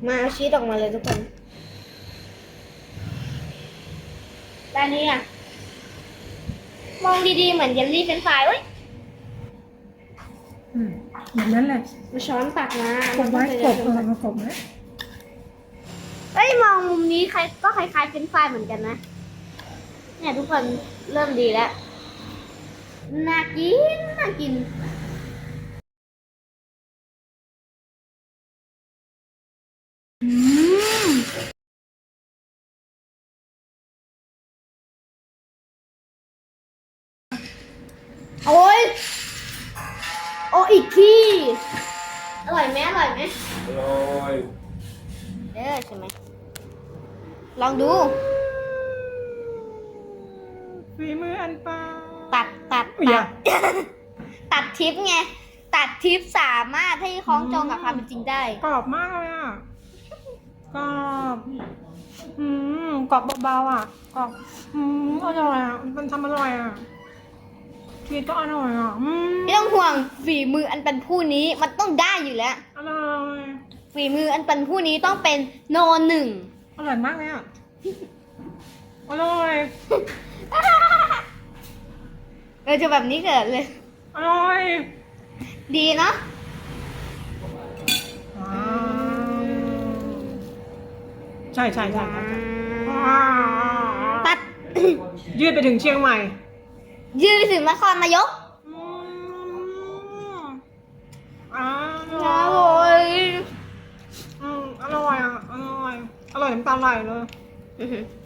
มาเอาชีสออกมาเลยทุกคนด้านนี้อ่ะมองดีๆเหมือนเยลลี่เฟรนช์ฟรายเว้ยแบบนั้นแหละมาช้อนตักมากบไว้กบมามากบไว้เอ้ยมองมุมนี้ใครก็คล้ายๆเฟรนช์ฟรายเหมือนกันนะเนี่ยทุกคนเริ่มดีแล้วน่ากินน่ากินโอ้ยโอ้อีกทีอร่อยไหมอร่อยไหมอร่อยเด้อใช่ไหมลองดูฝีมืออันปาตัดอุ๊ยตัดทิปไงตัดทิปสามารถให้คล้องจองกับความเป็นจริงได้กรอบมากเลยอ่ะกรอบกรอบเบาๆอ่ะกรอบอร่อยอ่ะมันทำอร่อยอ่ะชีสก็อร่อยอ่ะไม่ต้องห่วงฝีมืออันเป็นผู้นี้มันต้องได้อยู่แล้วอร่อยฝีมืออันเป็นผู้นี้ต้องเป็นโนหนึ่งอร่อยมากเลยอ่ะอร่อยจะแบบนี้เกิดเลยอร่อยดีเนาะใช่ใช่ใช่ใช่ตัดยืดไปถึงเชียงใหม่ยืดถึงนครนายกอโอ้ร่อยยอร่อยอ่ะอร่อยน้ำตาไหลเลยอื้อหือ